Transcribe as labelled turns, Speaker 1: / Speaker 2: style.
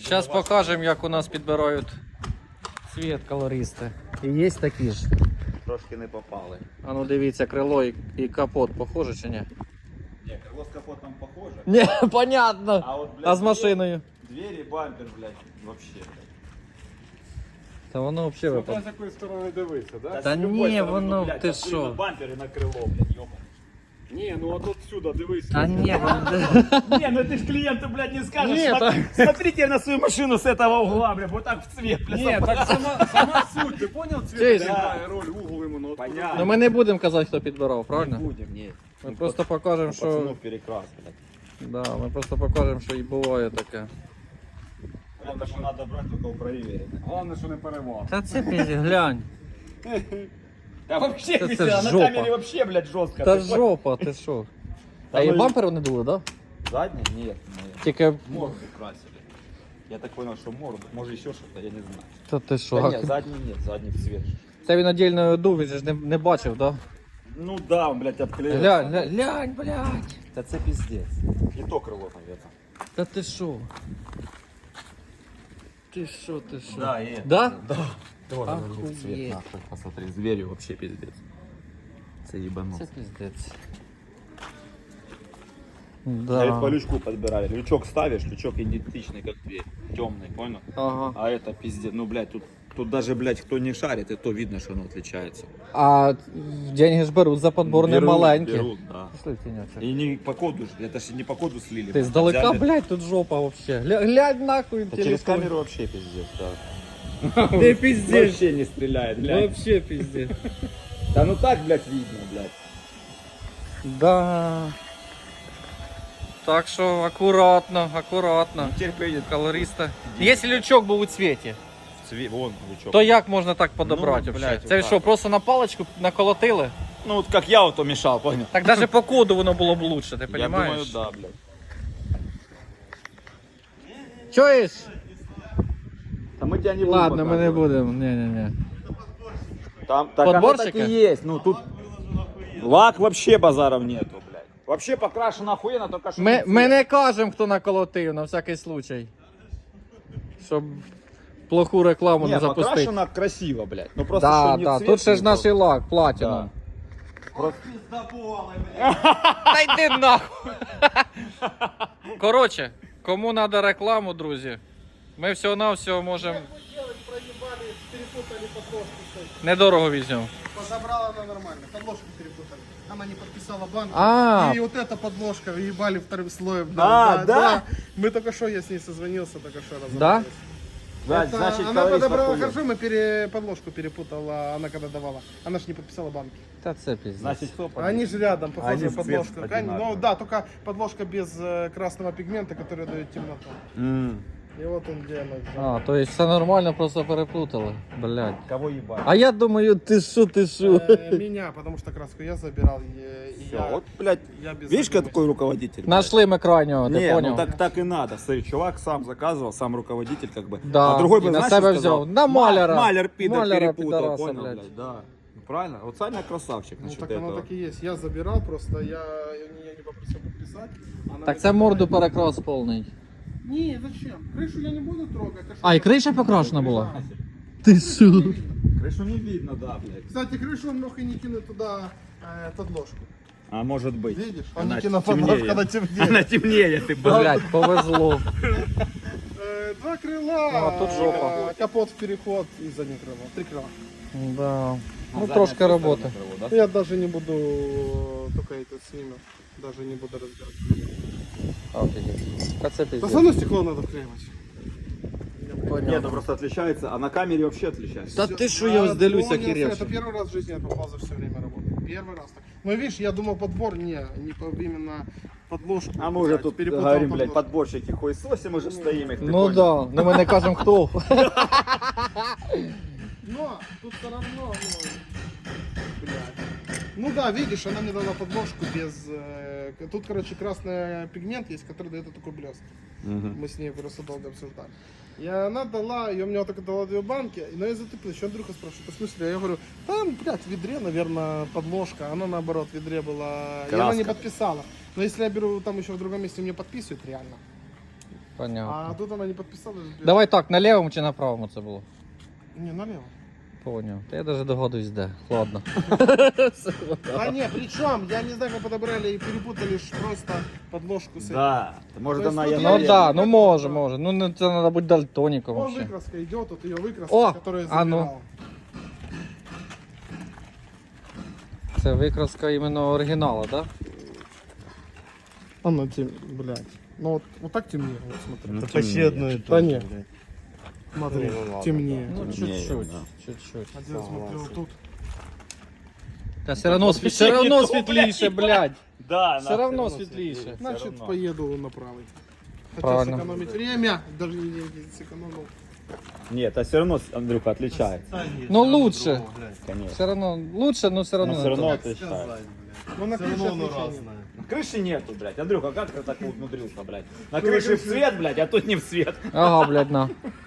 Speaker 1: Зараз покажемо, як у нас підбирають цвіт колористи. І є такі ж.
Speaker 2: Трошки не попали.
Speaker 1: А ну дивіться, крило і капот похоже чи ні?
Speaker 2: Ні, крило з капотом похоже.
Speaker 1: Ні, понятно.
Speaker 2: А, от, блядь,
Speaker 1: А з машиною?
Speaker 2: Двері, бампер, блядь, вообще.
Speaker 1: Та воно взагалі
Speaker 3: Смотря
Speaker 1: випадає.
Speaker 3: з якої сторони дивитися, да?
Speaker 1: Та
Speaker 2: з любої
Speaker 1: ні,
Speaker 2: сторони,
Speaker 1: воно,
Speaker 2: блядь,
Speaker 1: ти
Speaker 2: там
Speaker 1: що?
Speaker 2: на бампер і на крило, блядь, ёбаний.
Speaker 3: Ні, ну от отсюда дивись.
Speaker 1: Та ні, воно...
Speaker 2: Не, ну ты ж клиенту, блядь, не скажешь.
Speaker 1: Нет,
Speaker 2: Смотрите на свою машину с этого угла, блядь, вот так в цвет, блядь.
Speaker 3: Ні, так сама суть, ти поняв?
Speaker 1: Чуєш?
Speaker 3: Цвіт грає роль, угол йому. Ну,
Speaker 2: Понятно.
Speaker 1: Ну ми не будемо казати, хто підбирав, правильно?
Speaker 2: будем, нет.
Speaker 1: Ми просто покажемо, що...
Speaker 2: Пацанов перекрас, блядь.
Speaker 1: Да, ми просто покажемо, що і буває таке.
Speaker 2: Это что надо брать только у проверенных.
Speaker 3: Головне, що не перевал.
Speaker 1: Та це пізі, глянь.
Speaker 2: Да вообще
Speaker 1: Это
Speaker 2: весело, на
Speaker 1: жопа.
Speaker 2: камере вообще, блядь, жестко.
Speaker 1: Та
Speaker 2: Ты понял?
Speaker 1: жопа, ти що? А і
Speaker 2: ну і-
Speaker 1: бампери не дули, так? Да?
Speaker 2: Задний? Нет, нет.
Speaker 1: Тільки...
Speaker 2: Морду красили. Я так понял, что морду. Может еще что-то, я не знаю.
Speaker 1: Та ти що?
Speaker 2: Да нет, задний нет, задний в цвет.
Speaker 1: Це він отдельно дув, він же ж не бачив, так?
Speaker 2: Ну да, он, блядь,
Speaker 1: Да?
Speaker 2: обклеил.
Speaker 1: Глянь, блядь.
Speaker 2: Да це пиздец. И то крыло, наверное.
Speaker 1: Та ти що? Ти що, ти що?
Speaker 2: Да, и это.
Speaker 1: Да?
Speaker 2: Да. Тоже
Speaker 1: Охуеть.
Speaker 2: в цвет, нахуй. Посмотри, с дверью вообще пиздец. Це ебанос.
Speaker 1: Це пиздець.
Speaker 2: Говорит, по
Speaker 1: Да.
Speaker 2: лючку подбирали. Лючок ставишь, лючок идентичный, как дверь. Темный, понял?
Speaker 1: Ага.
Speaker 2: А это пиздец. Ну, блядь, тут даже, блядь, кто не шарит, и то видно, что оно отличается.
Speaker 1: А деньги ж беруть за подбор не маленькі.
Speaker 2: Берут, да.
Speaker 1: Пішли, тінячок.
Speaker 2: И не по коду, ж, это же не по коду слили.
Speaker 1: Ти здалека,
Speaker 2: Взяли.
Speaker 1: блядь, тут жопа вообще. Глянь нахуй,
Speaker 2: Да через камеру вообще пиздец, да.
Speaker 1: Ти пиздец.
Speaker 2: Вообще не стреляет, блядь.
Speaker 1: Вообще пиздец.
Speaker 2: Да ну так, блядь, видно, блядь.
Speaker 1: Да. Так що акуратно, акуратно.
Speaker 2: Терпение.
Speaker 1: Колориста. Якщо лючок був у цвіті,
Speaker 2: Вон лючок.
Speaker 1: то як можна так подобрати
Speaker 2: Ну,
Speaker 1: вообще?
Speaker 2: блядь,
Speaker 1: Це
Speaker 2: отак
Speaker 1: що,
Speaker 2: от.
Speaker 1: просто на паличку наколотили?
Speaker 2: Ну, вот как я вот то мешал, понял?
Speaker 1: Так навіть по коду воно було б лучше, ти
Speaker 2: Я думаю,
Speaker 1: розумієш?
Speaker 2: да, блядь.
Speaker 1: Чуєш?
Speaker 2: А мы тебя не
Speaker 1: Ладно, ми не будемо. Ні-ні-ні.
Speaker 2: Там так оно
Speaker 1: Подборщика?
Speaker 2: так и есть. Ну тут лак вообще базаров нету, блядь. Вообще покрашено охуенно, только что.
Speaker 1: Ми не кажемо, хто наколотив, на всякий случай. Щоб плоху рекламу не
Speaker 2: не,
Speaker 1: запустити.
Speaker 2: покрашено красиво, блядь. Ну просто
Speaker 1: Да,
Speaker 2: что не
Speaker 1: да,
Speaker 2: цвет,
Speaker 1: тут ще ж
Speaker 2: не
Speaker 1: наш
Speaker 2: то.
Speaker 1: лак, платіна.
Speaker 2: Просто...
Speaker 1: Та йди нахуй. Коротше, кому треба рекламу, друзі, ми всього-навсього можемо
Speaker 3: Проебали, перепутали подложку.
Speaker 1: недорого візьмемо.
Speaker 3: Подобрала она нормально, подложку перепутали. Она не подписала банк.
Speaker 1: А.
Speaker 3: И вот эта подложка ебали вторым слоем.
Speaker 2: Да?
Speaker 3: Мы только что, я с ней созвонился, только что разобрались.
Speaker 1: Да?
Speaker 2: Да,
Speaker 3: Это
Speaker 2: значит,
Speaker 3: она
Speaker 2: колорист
Speaker 3: подобрала
Speaker 2: охуел.
Speaker 3: хорошо, мы подложку перепутала, она когда давала. Она же не подписала банки.
Speaker 1: Та це піздець.
Speaker 2: Значит, кто
Speaker 3: Они же рядом, похоже,
Speaker 2: Они в цвет
Speaker 3: подложка.
Speaker 2: одинаковые.
Speaker 3: Ну да, только подложка без красного пигмента, который дает темноту. И вот он где она.
Speaker 1: А, то есть все нормально, просто переплутали. Блядь.
Speaker 2: Кого ебать?
Speaker 1: А я думаю, ти що, ти що?
Speaker 3: Меня, потому что краску я забирал. И
Speaker 2: Все,
Speaker 3: я,
Speaker 2: вот, блядь,
Speaker 3: я без
Speaker 2: видишь,
Speaker 3: задумки.
Speaker 2: какой руководитель? блядь?
Speaker 1: Нашли ми крайнього, ти
Speaker 2: Не,
Speaker 1: поняв?
Speaker 2: ну так и надо. Смотри, чувак сам заказывал, сам руководитель как бы.
Speaker 1: Да,
Speaker 2: а другой
Speaker 1: и
Speaker 2: бы,
Speaker 1: на
Speaker 2: знаешь,
Speaker 1: себя
Speaker 2: что сказал?
Speaker 1: взял. На маляра.
Speaker 2: Маляр, пидор,
Speaker 1: Маляра,
Speaker 2: перепутал,
Speaker 1: пидораса,
Speaker 2: понял,
Speaker 1: блядь.
Speaker 2: блядь, да. Ну, правильно? Вот Саня красавчик
Speaker 3: Ну
Speaker 2: насчет
Speaker 3: так
Speaker 2: этого.
Speaker 3: оно так и есть. Я забирал просто, я не попросил подписать. Она
Speaker 1: Так
Speaker 3: мне
Speaker 1: це
Speaker 3: такая,
Speaker 1: морду перекрас повний.
Speaker 3: Не, зачем? Крышу я не буду трогать. что
Speaker 1: А, і
Speaker 3: это?
Speaker 1: криша покрашена була?
Speaker 3: Да.
Speaker 1: Ти що?
Speaker 2: Крышу не видно, да, блядь.
Speaker 3: Кстати, крышу он мог и не кинуть туда подложку.
Speaker 2: А может быть.
Speaker 3: Видишь? Он
Speaker 2: Она
Speaker 3: не кинул
Speaker 2: темнее.
Speaker 3: подложку, она темнее.
Speaker 2: Она темнее, ты, блядь.
Speaker 1: Блядь, повезло.
Speaker 3: Два крыла,
Speaker 1: Ну, а тут жопа.
Speaker 3: капот в переход и заднее крыло. Три крыла.
Speaker 1: Да. Ну
Speaker 2: Задняя
Speaker 1: трошки
Speaker 2: тоже
Speaker 1: роботи.
Speaker 2: крыло, да?
Speaker 3: Я даже не буду только этот снимем. Даже не буду разбирать.
Speaker 1: Та це
Speaker 3: Да
Speaker 1: пиздец.
Speaker 3: все равно стекло надо вклеивать.
Speaker 2: Нет, ну просто отличается, а на камере вообще отличается.
Speaker 1: Та ти що, я ось делюсь
Speaker 3: Помню,
Speaker 1: охеревший.
Speaker 3: Это первый раз в жизни я попал за все время работы. Первый раз так. Но видишь, я думал подбор, не именно подложку.
Speaker 2: А мы уже
Speaker 3: взять.
Speaker 2: тут
Speaker 3: Перепутал
Speaker 2: говорим, блядь,
Speaker 3: подложку.
Speaker 2: подборщики хуесосим уже стоим их, ты
Speaker 1: Ну
Speaker 2: понял?
Speaker 1: да, ну ми не кажемо хто.
Speaker 3: Но тут все равно, ну, блядь. Ну да, видишь, она мне дала подложку без... тут, короче, красный пигмент есть, который дает такой блеск.
Speaker 2: Мгм.
Speaker 3: Мы с ней просто долго обсуждали. И она дала, и у меня вот только дала 2 банки, но я затупил, еще Андрюха спрашивает, в смысле? Я говорю, там, блядь, в ведре, наверное, подложка, она наоборот в ведре была, и она не
Speaker 2: Краска.
Speaker 3: подписала. Но если я беру там еще в другом месте, мне подписывают реально.
Speaker 1: Понятно.
Speaker 3: А тут она не подписалась.
Speaker 1: Давай так, на лівому чи на правому це було?
Speaker 3: Не, налево.
Speaker 1: Поняв. Та я навіть догадуюсь, де. Ладно.
Speaker 3: Да не, причем, я не знаю, как подобрали и перепутали ж просто подложку с этим.
Speaker 2: Да. Может
Speaker 3: То есть
Speaker 2: она
Speaker 3: тут
Speaker 2: я
Speaker 1: Ну
Speaker 3: наверное,
Speaker 1: да, ну
Speaker 3: как
Speaker 1: може,
Speaker 3: это.
Speaker 1: може. Ну не- це треба бути дальтоніком
Speaker 3: Вон
Speaker 1: вообще.
Speaker 3: выкраска идет, вот ее выкраска,
Speaker 1: О,
Speaker 3: которая
Speaker 1: а ну.
Speaker 3: забирала.
Speaker 1: Це викраска іменно оригіналу, так?
Speaker 3: Она блядь. Ну вот так темнее, вот смотри.
Speaker 2: Ну,
Speaker 4: Это почти одно и
Speaker 3: Да
Speaker 4: то же.
Speaker 3: не.
Speaker 4: блядь.
Speaker 3: Смотри,
Speaker 4: Ну, ладно,
Speaker 3: темнее.
Speaker 1: Ну,
Speaker 2: Темніє,
Speaker 1: чуть-чуть.
Speaker 2: да.
Speaker 1: Чуть-чуть.
Speaker 3: А где я смотрю, вот тут.
Speaker 1: Та все равно,
Speaker 2: вообще
Speaker 1: все равно
Speaker 2: не то,
Speaker 1: світліше, блядь.
Speaker 2: Да,
Speaker 1: Все равно
Speaker 2: равно
Speaker 1: світліше.
Speaker 3: Значит,
Speaker 2: равно.
Speaker 3: поеду на правый. Хотел
Speaker 1: Правильно.
Speaker 3: сэкономить время, даже не деньги сэкономил.
Speaker 2: Нет, а все равно, Андрюха, отличается.
Speaker 4: Та ні,
Speaker 1: Ну,
Speaker 4: все равно
Speaker 1: лучше.
Speaker 4: другого, блядь.
Speaker 2: Конечно.
Speaker 1: Все равно лучше, но все равно.
Speaker 2: Но
Speaker 1: не
Speaker 2: все
Speaker 1: то.
Speaker 2: равно
Speaker 4: Как
Speaker 2: отличается.
Speaker 4: сказать, блядь.
Speaker 3: Ну на
Speaker 4: Все
Speaker 3: крыше
Speaker 4: равно оно
Speaker 3: отличия нет.
Speaker 4: разное.
Speaker 2: На крыши нету, блядь. Андрюха, как ты так умудрился, блядь? На крыше в цвет, блядь, а тут не в цвет.
Speaker 1: Ага, блядь, на.